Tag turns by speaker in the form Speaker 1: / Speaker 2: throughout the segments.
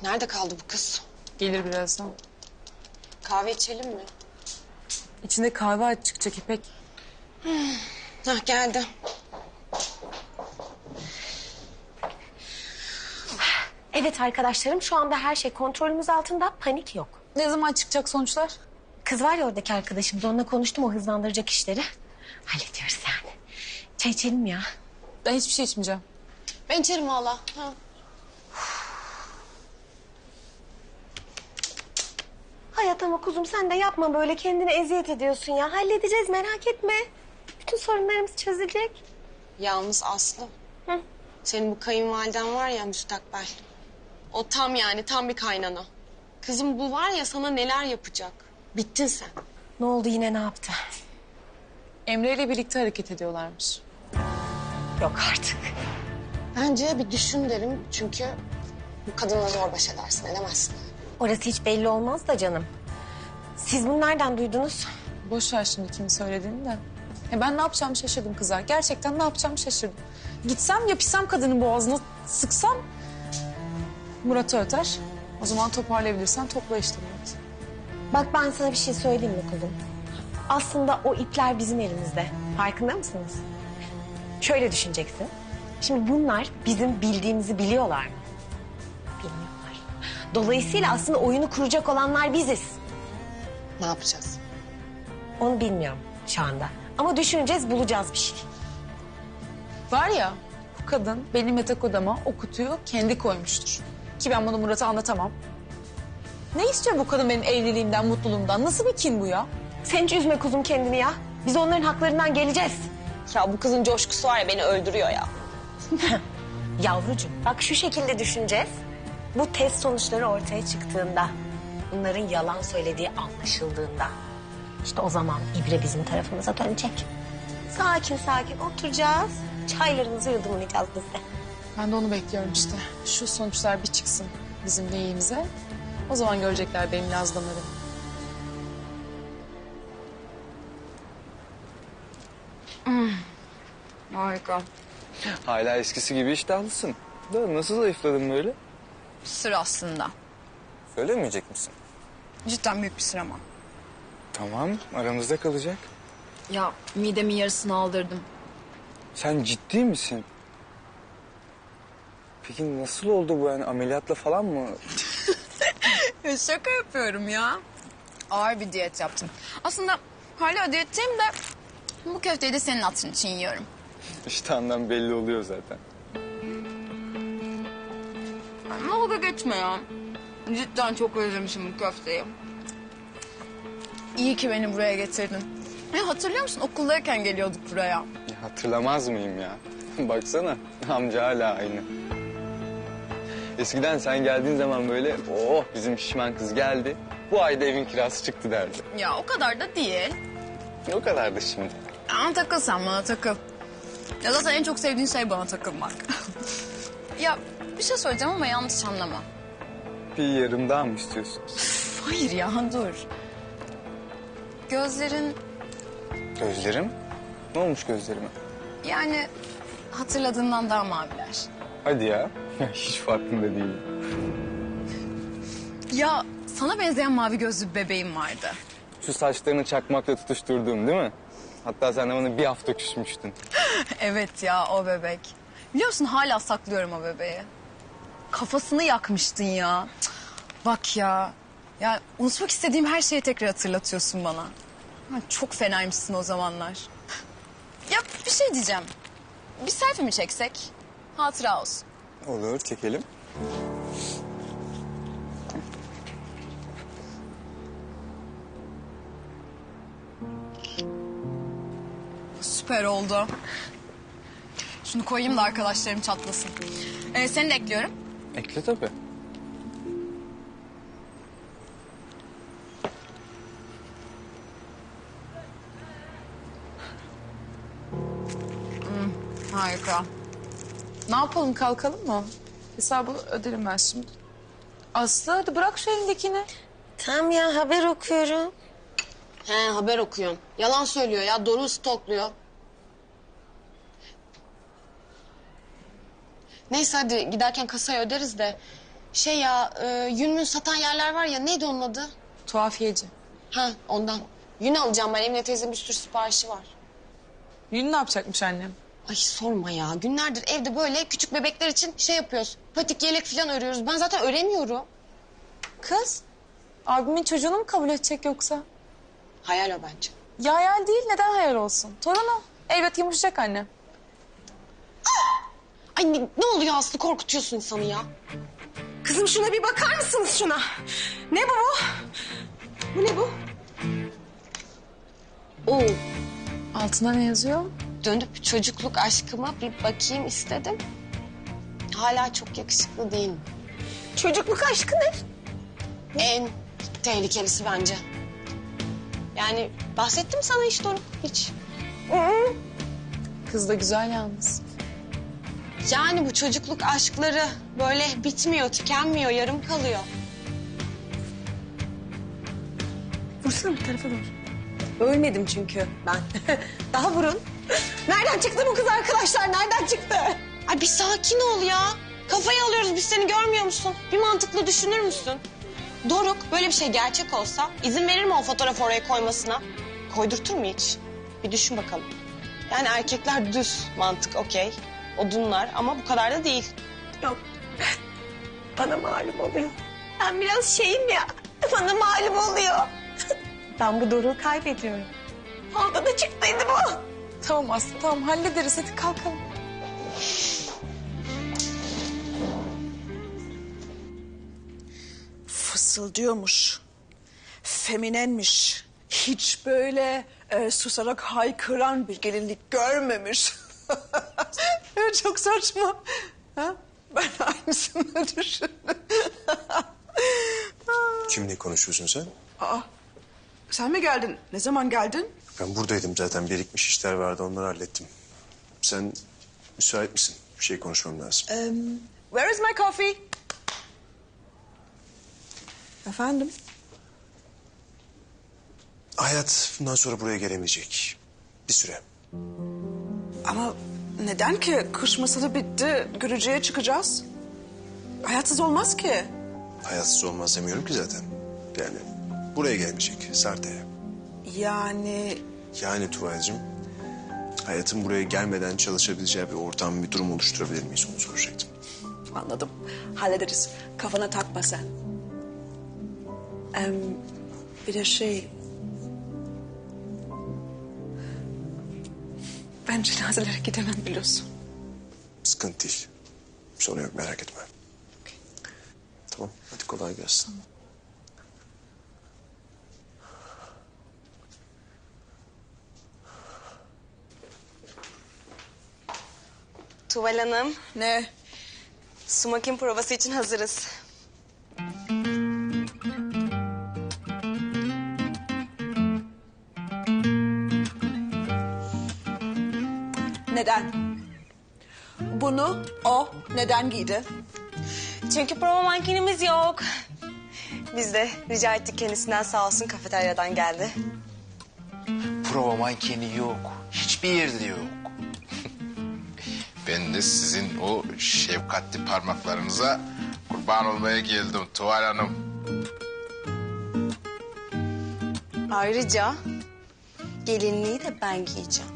Speaker 1: Nerede kaldı bu kız?
Speaker 2: Gelir birazdan.
Speaker 1: Kahve içelim mi?
Speaker 2: İçinde kahve çıkacak İpek.
Speaker 1: Hah geldi.
Speaker 3: Evet arkadaşlarım, şu anda her şey kontrolümüz altında, panik yok.
Speaker 2: Ne zaman çıkacak sonuçlar?
Speaker 3: Kız var ya oradaki arkadaşımız, onunla konuştum, o hızlandıracak işleri. Hallediyoruz yani. Çay içelim ya.
Speaker 2: Ben hiçbir şey içmeyeceğim.
Speaker 1: Ben içerim valla. Ha.
Speaker 3: Hayat ama kuzum sen de yapma böyle, kendine eziyet ediyorsun ya. Halledeceğiz, merak etme. Bütün sorunlarımız çözülecek.
Speaker 1: Yalnız Aslı.
Speaker 3: Hı?
Speaker 1: Senin bu kayınvaliden var ya müstakbel. O tam yani tam bir kaynana. Kızım bu var ya sana neler yapacak. Bittin sen.
Speaker 3: Ne oldu, yine ne yaptı?
Speaker 2: Emre ile birlikte hareket ediyorlarmış.
Speaker 3: Yok artık.
Speaker 1: Bence bir düşün derim çünkü bu kadınla zor baş edersin edemezsin.
Speaker 3: Orası hiç belli olmaz da canım. Siz bunu nereden duydunuz?
Speaker 2: Boş ver şimdi kimin söylediğini de. Ben ne yapacağımı şaşırdım kızlar. Gerçekten ne yapacağımı şaşırdım. Gitsem yapışsam kadının boğazına, sıksam Murat'ı öter. O zaman toparlayabilirsen topla işte Murat.
Speaker 3: Bak ben sana bir şey söyleyeyim mi kuzum? Aslında o ipler bizim elimizde. Farkında mısınız? Şöyle düşüneceksin. Şimdi bunlar bizim bildiğimizi biliyorlar mı? Bilmiyorlar. Dolayısıyla aslında oyunu kuracak olanlar biziz.
Speaker 1: Ne yapacağız?
Speaker 3: Onu bilmiyorum şu anda. Ama düşüneceğiz, bulacağız bir şey.
Speaker 2: Var ya bu kadın benim yatak odama o kutuyu kendi koymuştur. Ki ben bunu Murat'a anlatamam. Ne istiyor bu kadın benim evliliğimden, mutluluğumdan? Nasıl bir kin bu ya?
Speaker 3: Sen hiç üzme kuzum kendini ya. Biz onların haklarından geleceğiz.
Speaker 1: Ya bu kızın coşkusu var ya beni öldürüyor ya.
Speaker 3: Yavrucuğum bak şu şekilde düşüneceğiz. Bu test sonuçları ortaya çıktığında, bunların yalan söylediği anlaşıldığında, işte o zaman ibre bizim tarafımıza dönecek. Sakin sakin oturacağız. Çaylarımızı yudumlayacağız biz de.
Speaker 2: Ben de onu bekliyorum işte. Şu sonuçlar bir çıksın bizim lehimize. O zaman görecekler benim lazlamalarımı.
Speaker 4: Harika.
Speaker 5: Hala eskisi gibi iştahlısın. Da nasıl zayıfladın böyle?
Speaker 4: Sır aslında.
Speaker 5: Söylemeyecek misin?
Speaker 4: Cidden büyük bir sır ama.
Speaker 5: Tamam, aramızda kalacak.
Speaker 4: Ya midemin yarısını aldırdım.
Speaker 5: Sen ciddi misin? Peki nasıl oldu bu yani ameliyatla falan mı?
Speaker 4: Şaka yapıyorum ya. Ağır bir diyet yaptım. Aslında hala diyetteyim de bu köfteyi de senin hatırın için yiyorum.
Speaker 5: İştahından belli oluyor zaten.
Speaker 4: Dalga geçme ya. Cidden çok özlemişim bu köfteyi. İyi ki beni buraya getirdin. Ya hatırlıyor musun okuldayken geliyorduk buraya.
Speaker 5: Ya hatırlamaz mıyım ya? Baksana amca hala aynı. Eskiden sen geldiğin zaman böyle oh bizim şişman kız geldi. Bu ayda evin kirası çıktı derdi.
Speaker 4: Ya o kadar da değil.
Speaker 5: O kadar da şimdi.
Speaker 4: Ama takıl sen bana takıl. Ya zaten en çok sevdiğin şey bana takılmak. Ya bir şey söyleyeceğim ama yanlış anlama.
Speaker 5: Bir yarım daha mı istiyorsun?
Speaker 4: Hayır ya dur. Gözlerin
Speaker 5: Gözlerim? Ne olmuş gözlerime?
Speaker 4: yani hatırladığından daha maviler.
Speaker 5: Hadi ya. Hiç farkında değilim.
Speaker 4: Ya sana benzeyen mavi gözlü bir bebeğim vardı.
Speaker 5: Şu saçlarını çakmakla tutuşturduğum değil mi? Hatta sen de bana bir hafta küsmüştün.
Speaker 4: Evet ya o bebek. Biliyor musun hala saklıyorum o bebeği. Kafasını yakmıştın ya. Cık, bak ya. Ya unutmak istediğim her şeyi tekrar hatırlatıyorsun bana. Ha, çok fenaymışsın o zamanlar. Ya bir şey diyeceğim. Bir selfie mi çeksek? Hatıra olsun.
Speaker 5: Olur, çekelim.
Speaker 4: Süper oldu. Şunu koyayım da arkadaşlarım çatlasın. Seni de ekliyorum.
Speaker 5: Ekle tabii.
Speaker 4: Harika.
Speaker 2: Ne yapalım, kalkalım mı? Hesabı öderim ben şimdi. Aslı hadi bırak şu elindekini.
Speaker 3: Tamam ya, haber okuyorum.
Speaker 1: He haber okuyorsun. Yalan söylüyor ya Doruk'u stokluyor. Neyse hadi giderken kasaya öderiz de. Şey ya, yün mün satan yerler var ya, neydi onun adı?
Speaker 2: Tuhafiyeci.
Speaker 1: Ha, ondan. Yün alacağım ben, Emine teyzemin bir sürü siparişi var.
Speaker 2: Yün ne yapacakmış annem?
Speaker 1: Ay sorma ya, günlerdir evde böyle küçük bebekler için şey yapıyoruz. Patik, yelek falan örüyoruz. Ben zaten öremiyorum.
Speaker 2: Kız, abimin çocuğunu mu kabul edecek yoksa?
Speaker 1: Hayal o bence.
Speaker 2: Ya hayal değil, neden hayal olsun? Torunu. Elbet yumuşayacak anne.
Speaker 1: Ay ne oluyor Aslı, korkutuyorsun insanı ya.
Speaker 3: Kızım şuna bir bakar mısınız şuna? Ne bu? Bu ne bu?
Speaker 1: Oo,
Speaker 2: Altına ne yazıyor?
Speaker 1: dönüp çocukluk aşkıma bir bakayım istedim. Hala çok yakışıklı değil mi?
Speaker 3: Çocukluk aşkı ne?
Speaker 1: En tehlikelisi bence. Yani bahsettim sana hiç Doruk, hiç.
Speaker 2: Kız da güzel yalnız.
Speaker 1: Yani bu çocukluk aşkları böyle bitmiyor, tükenmiyor, yarım kalıyor.
Speaker 3: Vursana bir tarafa doğru. Ölmedim çünkü ben. Daha vurun. Nereden çıktı bu kız arkadaşlar? Nereden çıktı?
Speaker 1: Ay bir sakin ol ya. Kafayı alıyoruz biz, seni görmüyor musun? Bir mantıklı düşünür müsün? Doruk böyle bir şey gerçek olsa izin verir mi o fotoğrafı oraya koymasına? Koydurtur mu hiç? Bir düşün bakalım. Yani erkekler düz mantık okey. Odunlar ama bu kadar da değil.
Speaker 3: Yok. Bana malum oluyor. Ben biraz şeyim ya. Bana malum oluyor. Ben bu Doruk'u kaybediyorum. Orada da çıktıydı bu.
Speaker 2: Tamam Aslı, tamam hallederiz. Hadi kalkalım.
Speaker 6: Fısıldıyormuş. Feminenmiş. Hiç böyle susarak haykıran bir gelinlik görmemiş. Çok saçma. Ha? Ben aynısını düşündüm.
Speaker 7: Kimle konuşuyorsun sen?
Speaker 6: Sen mi geldin? Ne zaman geldin?
Speaker 7: Ben buradaydım zaten. Birikmiş işler vardı, onları hallettim. Sen müsait misin? Bir şey konuşmam lazım.
Speaker 6: Where is my coffee? Efendim?
Speaker 7: Hayat bundan sonra buraya gelemeyecek. Bir süre.
Speaker 6: Ama neden ki? Kış masalı bitti. Görücüye çıkacağız. Hayatsız olmaz ki.
Speaker 7: Hayatsız olmaz demiyorum ki zaten. Yani buraya gelmeyecek. Sarte'ye. Yani Tuva'cığım, hayatın buraya gelmeden çalışabileceği bir ortam, bir durum oluşturabilir miyiz onu soracaktım.
Speaker 6: Anladım. Hallederiz. Kafana takma sen. Bir de ben cenazelere gidemem biliyorsun.
Speaker 7: Sıkıntı değil. Sorun yok, merak etme. Tamam, hadi kolay gelsin.
Speaker 1: Tuval Hanım,
Speaker 6: Ne?
Speaker 1: smokin provası için hazırız.
Speaker 6: Neden? Bunu o neden giydi?
Speaker 1: Çünkü prova mankenimiz yok. Biz de rica ettik kendisinden, sağ olsun kafeteryadan geldi.
Speaker 8: Prova mankeni yok. Hiçbir yerde yok. Ben de sizin o şefkatli parmaklarınıza kurban olmaya geldim Tuval Hanım.
Speaker 1: Ayrıca gelinliği de ben giyeceğim.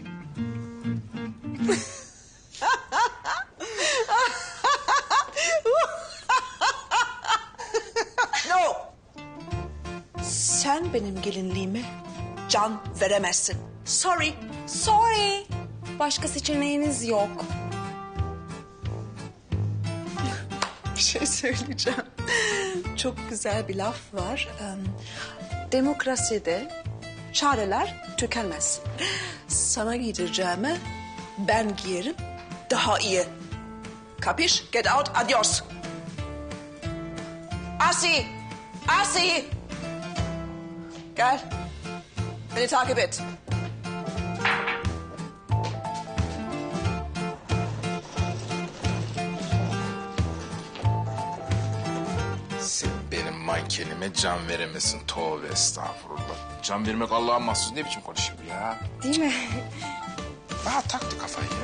Speaker 6: No! Sen benim gelinliğime can veremezsin. Sorry.
Speaker 1: Sorry. Başka seçeneğiniz yok.
Speaker 6: Bir şey söyleyeceğim. Çok güzel bir laf var. Demokraside çareler tükenmez. Sana giydireceğime ben giyerim daha iyi. Kapiş? Get out, adios. Asi! Asi! Gel. Beni takip et.
Speaker 8: Sen benim mankenime can veremezsin. Tövbe estağfurullah. Can vermek Allah'a mahsus, ne biçim konuşuyor ya?
Speaker 1: Değil mi?
Speaker 8: Bana taktı kafayı ya.